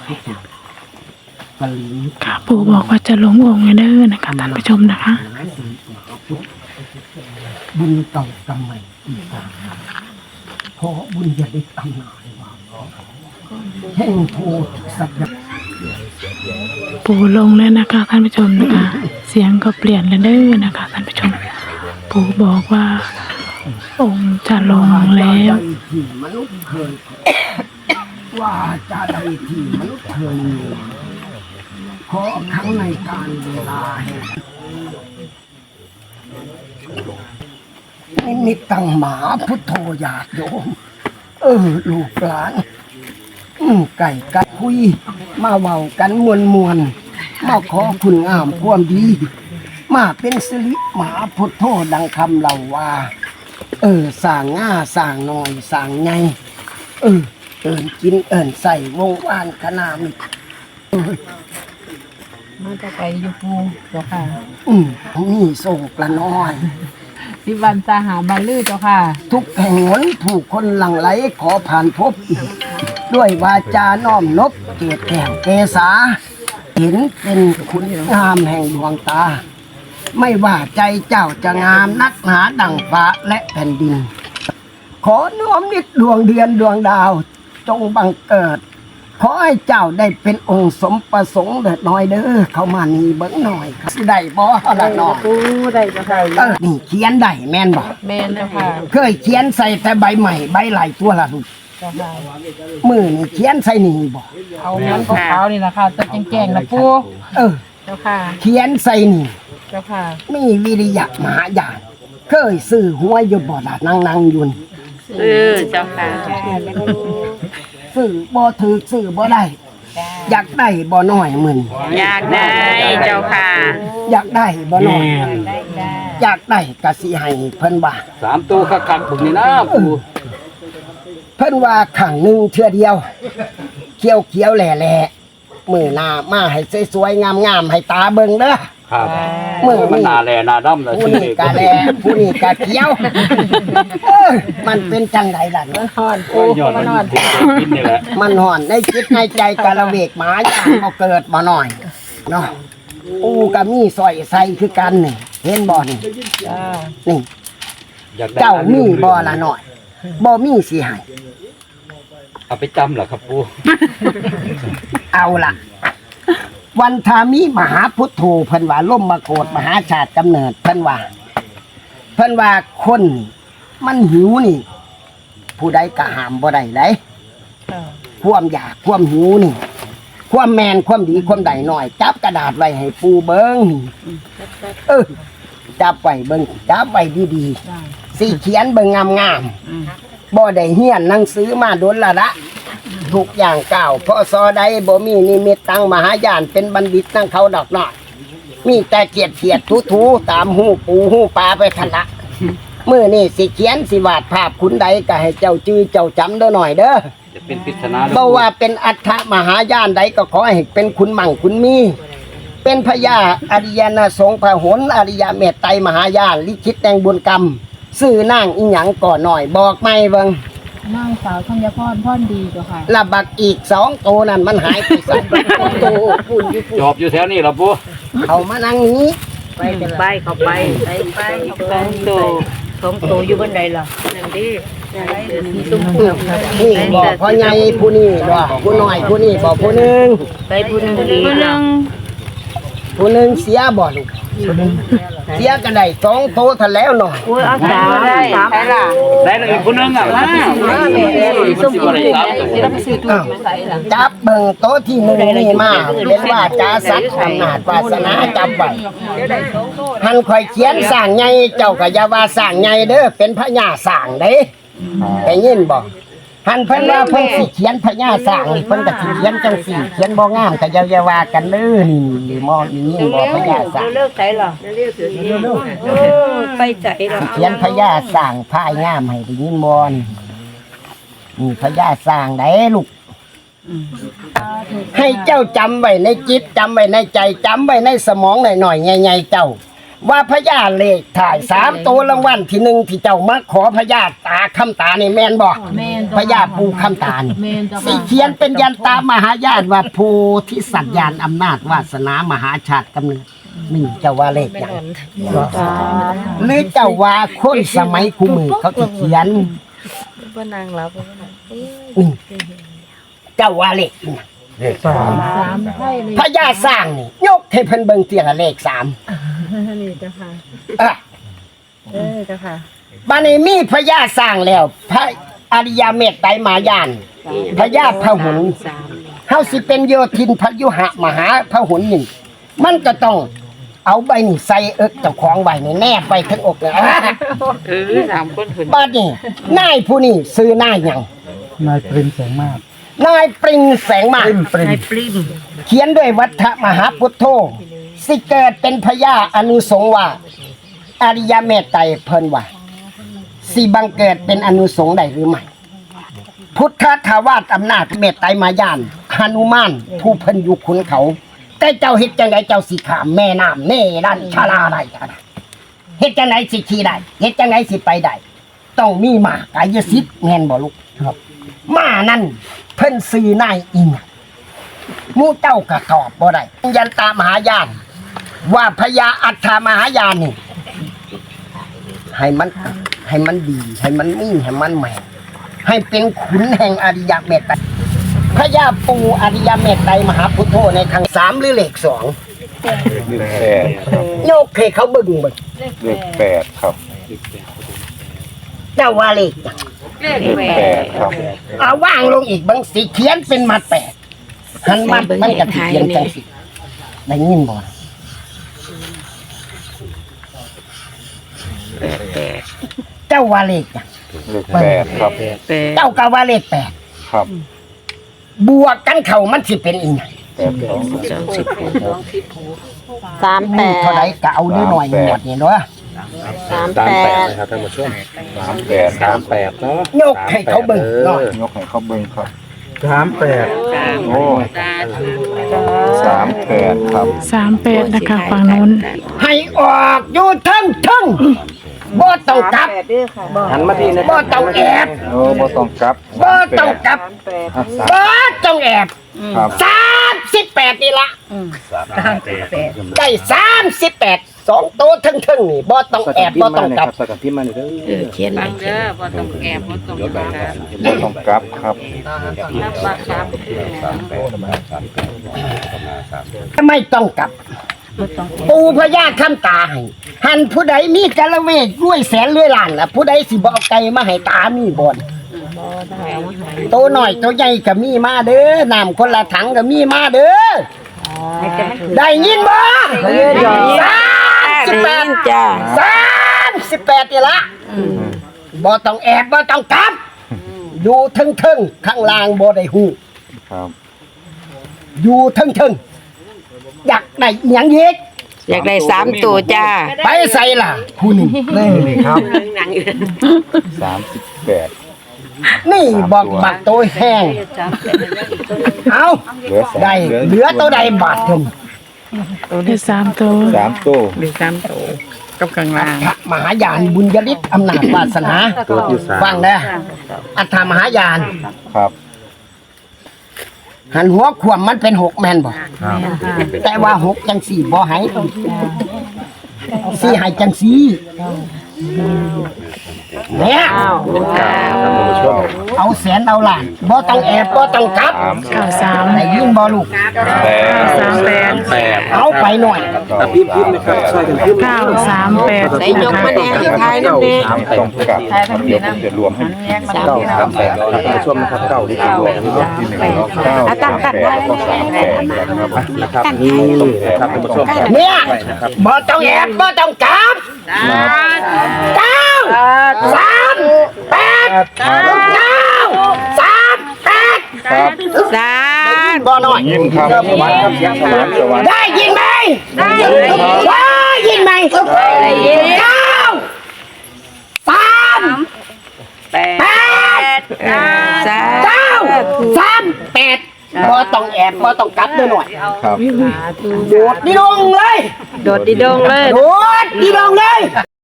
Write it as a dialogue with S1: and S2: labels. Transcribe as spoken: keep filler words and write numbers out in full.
S1: ค่ะปู่บอกว่าจะลงองค์เด้อนะคะท่านผู้ชมนะคะ
S2: บุญเก่ากรรมใหม่อีกต่างหากเพราะบุญจะได้ตำนานว่าแห่งโพธิสัตว์
S1: ปู่ลงแล้วนะคะท่านผู้ชมนะคะ เสียงก็เปลี่ยนแล้วเด้อนะคะท่านผู้ชมปู่บอกว่าองค์จะลงแล้ว
S2: ที่มนุษย์เคยว่าจะใดที่มนุษย์เคยมีขอครั้งในการเวลานิมิตตังหมาพุทโธญาติโยมเออลูกหลานไก่กัดคุยมาเว้ากันมวลมวลมาขอคุณงามความดีมาเป็นสิริหมาพุทโธดังคำเล่าว่าเออสร้างง่าสร้างหน่อยสร้างไงเออเอินกินเอินใส่วงวานขนาดนี้
S3: มาจะไปอยู่ปูเจ้าค่ะ
S2: อืมมีส่งปลาน้อย
S3: สิวันตาหาบันลือเจ้าค่ะ
S2: ทุกแห่งหนถูกคนหลั่งไหลขอผ่านพบด้วยวาจาน้อมนบเกียรติแห่งเกษาเห็นเป็นคุณงามแห่งดวงตาไม่ว่าใจเจ้าจะงามนักหนาดั่งฟ้าและแผ่นดินขอน้อมนิดดวงเดือนดวงดาวจงบังเกิดขอให้เจ้าได้เป็นองค์สมประสงค์เถิดน้อยเด้อเข้ามานี่เบิ่งหน่อยครับได้บ่ล่ะน้อง
S3: ได้เจ้าค่ะ
S2: เออนี่เขียนได้แม่นบ่
S3: แม่นเจ้าค่ะ
S2: เคยเขียนใส่แต่ใบใหม่ใบไหลตัวละลูก
S3: เจ้าค่ะ
S2: มือนี่เขียนใส่นี่บ่
S3: เอามันขาวๆนี่ล่ะค่ะจะแจ้งๆนะปู่
S2: เออ
S3: เจ้าค่ะ
S2: เขียนใส่นี่
S3: เจ้าค่ะ
S2: มีวิริยะมหาญาณเคยซื้อหวยอยู่บ่ล่ะนั่งๆอยู่
S3: เออเจ้าค่ะ
S2: ซื้อบ่ถูกซื้อบ่ได้อยากได้บ่น้อยมึน
S3: อยากได้เจ้าค่ะ
S2: อยากได้บ่น้อยอยากได้ก็สิให้เพิ่นว่า
S4: สามตัวคักๆพวกนี้นะปู่
S2: เพิ่นว่าขังนึงเทื่อเดียวเขียวๆแหล่ๆมื้อหน้ามาให้สวยๆงามๆให้ตาเบิ่งเด้อ
S4: ครับมื้อมันหน้าแลหน้าดำแล้ว
S2: ผู้นี้ก็แลผู้นี้ก็เขียวมันเป็นจังไดล่ะ
S3: มันฮ้อนปู่มันฮ้อน
S4: กินนี่แหละ
S2: มันฮ้อนในจิตในใจกะละเวกหมาย่างบ่เกิดบ่น้อยเนาะปูก็มีสร้อยใส่คือกันนี่เห็นบ่นี่
S3: จ้า
S2: นี่เจ้ามีบ่ล่ะน้อยบ่มีสิให้
S4: เอาไปจำเหรอครับปู่
S2: เอาล่ะวันทามิมหาพุทโธเพิ่นว่าล่มมาโกฏมหาชาติกำเนิดเพิ่นว่าเพิ่นว่าคนมันหิวนี่ผู้ใดก็ห้ามบ่ได้เลยความอยากความหิวนี่ความแมนความดีความใดหน่อยจับกระดาษไว้ให้ปูเบิ้งเออจับไว้เบิ้งจับไว้ดีๆสิเขียนเบิ้งงามๆบ่ได้เฮียนหนังสือมาโดนละละทุกอย่างก้าวพอซอใดบ่มีนิมิตตังมหายานเป็นบัณฑิตนั่งเขาดอกน้อยมีแต่เกียดเกียดทูๆตามหูปูหูปลาไปทันละมื้อนี้สิเขียนสิวาดภาพคุณใดก็ให้เจ้าจื้อเจ้าจำเด้อหน่อยเด้อ
S4: จะเป็นปริศนา
S2: บ่ว่าเป็นอัฏฐมหายานใดก็ขอให้เป็นคุณมั่งคุณมีเป็นพญาอริยนาสงฆ์พหลอริยเมตไตรมหายานลิขิตแห่งบุญกรรมชื่อนางอีหยังก่อหน่อยบอกไม่เบิ่ง
S3: นางสาวธัญพรพรดีเจ้าค่ะ
S2: ละบักอีกสองโตนั่นมันหายไปสักโตพุ่นอยู่
S4: จอบอยู่แถวนี้เหรอปู่
S2: เขามานั่งนี้
S3: ไปจะไปเขาไปไปไปสองโตสองโตอยู่บนใดล่ะนั่นดิมีตุ้มเปลือก
S2: นี่บอกพ่อใหญ่ผู้นี้บอกผู้น้อยผู้นี้บอกผู้นึง
S3: ไปผู้นึงผู้นึง
S2: ผู้นึงเสียบ่ลูกเสียกันได้สองโตทันแล้วหน่อย
S3: โอ้ยเอาสามได้ใช่ล่ะ
S4: ได้เลยผู้นึงอ่ะมา
S3: ส้มกินได้แล้วไปซื้อถุงมาใส่ล่ะ
S2: จับเบิ่งโตที่หนึ่งนี่มาเป็นว่าจาสัตว์อำนาจวาสนาจับไว้หันข่อยเขียนสร้างใหญ่เจ้าก็อย่าว่าสร้างใหญ่เด้อเป็นพญาสร้างเด้ได้ยินบ่หันเพิ่นว่าเพิ่นสิเขียนพญาสร้างนี่เพิ่นก็สิเขียนจังสี่เขียนบ่งามก็อย่าว่ากันเด้อนี่นี่มอนี่ยินบ่พญาสร้าง
S3: เลิกใส่หรอเออไปใจหรอ
S2: เขียนพญาสร้างพายงามให้ได้ยินบ่นี่พญาสร้างได้ลูกให้เจ้าจำไว้ในจิตจำไว้ในใจจำไว้ในสมองหน่อยๆใหญ่ๆเจ้าว่าพญาเลขถ่ายสามตัวรางวัลที่หนึ่งที่เจ้ามาขอพญาตาคำตาในแมนบอก
S3: แม่น
S2: พญาปูคำตาล
S3: แม่นจ้ะ
S2: สีเขียนเป็นยันตามหายานว่าโพธิสัตว์ยานอำนาจวาสนามหาชาติกำเนิดนี่เจ้าว่าเลขอย่างหรือเจ้าว่าคนสมัยคู่มือเขาที่เขียน
S3: บ่นางรับบ่นาง
S2: นี่เจ้าว่าเลขอีกนะ
S3: สามไพ่เลย
S2: พญาสร้างนี่ยกให้เพิ่นเบิ่งเตียละเลขสาม
S3: นี่จ้ะค่ะ
S2: เอ่ะ
S3: เออจ้ะค่ะ
S2: บัดนี้มีพญาสร้างแล้ว พระอริยเมตไตรมายานพญาพหุนเฮาสิเป็นโยธินพยุหะมหาพหุนนี่มันก็ต้องเอาใบนี่ใส่เอิกเจ้าของไว้นี่แนบไปทั้งอกเลย
S3: เออสามคนเพิ่น
S2: บัดนี้นายผู้นี้ซื้อนายหยัง
S5: นายปริมแสงมาก
S2: นายปริงแสงมาก
S5: ปริม
S3: นายปริม
S2: เขียนด้วยวัฏมหาพุทโธสิเกิดเป็นพญาอนุสงฆ์ว่าอริยเมตไตรเพิ่นว่าสิบังเกิดเป็นอนุสงฆ์ได้หรือไม่พุทธทาวาสอำนาจเมตไตรมายานหนุมานผู้เพิ่นอยู่ขุนเขาแต่เจ้าเฮ็ดจังไดเจ้าสิข้ามแม่น้ำเน่ดันชาลาได้จ้ะนะเฮ็ดจังไดสิขี่ได้เฮ็ดจังไดสิไปได้ต้องมีม้ากายสิทธิ์แม่นบ่ลูกครับม้านั่นเพิ่นซื้อนายอิงหมู่เจ้าก็ตอบบ่ได้ยันตามหายาน ว่าพญาอัฏฐมหายานนี่ให้มันให้มันดี ให้มันมีให้มันแม่นให้เป็นขุนแห่งอริยเมตไตรพญาปูอริยเมตไตรมหาพุทโธในครั้งสามหรือเลขสอง
S5: เลขแปด
S2: โยกให้เขาเบิ่งเบิ่ง
S5: เลขแปดครับ
S2: เจ้าว่าเลข
S3: เลข
S5: เลข
S3: แป
S5: แป
S3: ด
S5: ดครับ
S2: เอาว่างลงอีกบางสีเขียนเป็นมาแปดหันมามันก็สิเขียนจังสิได้ยินบ่เจ้าว่าเลขหยัง
S5: เลขแปดครับ
S2: เจ้าก็ว่าเลขแปด
S5: ครับ
S2: บวกกันเข้ามันสิเป็นอีหยัง
S5: แปดสอง
S3: สามแป
S2: นี่
S3: ด
S2: เท่าไหร่ก็เอานิดหน่อยหมดนี่เนาะ
S3: สาม
S4: สาม
S3: แป
S4: แปด
S3: ด
S4: นะครับท่านผู้ชม
S5: สามแปด
S4: สามแปดเนาะ
S2: ยกให้เขาเบิ่งหน่อย
S5: ยกให้เขาเบิ่งครับ
S4: สามแปด
S5: โอ้สามแปดครับ
S1: สามแปดนะคะฝั่งนู้น
S2: ให้ออกอยู่ทั้งทั้งบ่ต้องกลับ
S4: หันมาที่นะ
S2: บ่ต้องแอบ
S5: โอ้บ่ต้องกลับ
S2: บ่ต้องกลับ
S5: อ่ะสาม
S2: บ่ต้องแอบ
S5: ครับ
S2: สามสิบแปดนี่ละได้สามสิบแปดสองตัวทั้งทั้งนี่บ่ต้องแอบบ่ต้องกลับ
S4: สกัดพิมพ์มาเลยเด้อ
S3: เขียนบังเด้อบ่ต้องแอบบ่ต้องกลับ
S5: บ่ต้องกลับครับ
S3: นับบักสาม
S2: ไม่ต้องกลับ ปูพญาคำตาให้หันผู้ใดมีกะละเวกรวยแสนรวยล้านล่ะผู้ใดสิบ่เอาไก่มาให้ตามีบ่นตัวน้อยตัวใหญ่ก็มีมาเด้อน้ำคนละถังก็มีมาเด้อได้ยินบ่สามสิบแปดจ้าสามสิบแปดนี่ละบ่ต้องแอบบ่ต้องกลับอยู่ทึ่งๆข้างล่างบ่ได้ฮู้
S5: ครับ
S2: อยู่ทึ่งๆอยากได้อิหยังอีก
S3: อยากได้สามตัวจ้า
S2: ไปใส่ล่ะผู้หนึ่งนี่ครับ
S5: สามสิบแปด
S2: นี่บอกบักตัวแห้งเอา
S5: เหลือสาม
S2: ได้เหลือตัวใดบาทถึง
S1: ได้สามตัว
S5: สามตัว
S3: มีสามตัวกับกลางล่าง
S2: พระมหายานบุญยฤทธิ์อำนาจวาสนา
S4: ตัวที่สาม
S2: ฟังนะอัฏฐมหายาน
S5: ครับ
S2: หันหัวขวมมันเป็นหกแมนบ่แต่ว่าหกจังสี่บ่ใหายสี่ใหายจังสี่เนี่ย
S4: ท่านผู้ชม
S2: เอาแสนเอาล้านบ่ต้องแอบบ่ต้องกลับ
S5: สาม
S1: เก้าสาม
S2: ได้ยินบ่ลูก
S5: แปด
S1: สามแปด
S4: แปด
S2: เอาไปหน่อย
S4: พิมพ์พิมพ์นะครับช่วยกันพิมพ์
S1: เก้าสามแปด
S3: ได้ยกมาแน่ที่ท้ายนั่นเอง
S5: ต้องกลับครับเดี๋ยวผมจะรวมให้
S4: เก้าสามแปดท่านผู้ชมนะครับเก้าที่รวม
S5: รอบที่หนึ่งรอบเก้าสามแปดแล้วก็สามแปดนะครับ
S4: นะครับนี่นะครับท่านผู้ชม
S2: เนี่ยบ่ต้องแอบบ่ต้องกลับเก้าสามแปดเก้าสามแปด
S5: ครับ
S3: สาม
S2: บ่หน่อย
S5: ยิ้มครับสวรรค์ครับเสียงสวรรค์สวรรค์
S2: ได้ยินไหมได้ยินไหมได้ยินเก้าสามแปด
S3: สาม
S2: เก้าสามแปดบ่ต้องแอบบ่ต้องกลับด้วยหน่อย
S5: ครับ
S2: โดดนี่ลงเลย
S3: โดดดีดงเลย
S2: โดดดีดองเลย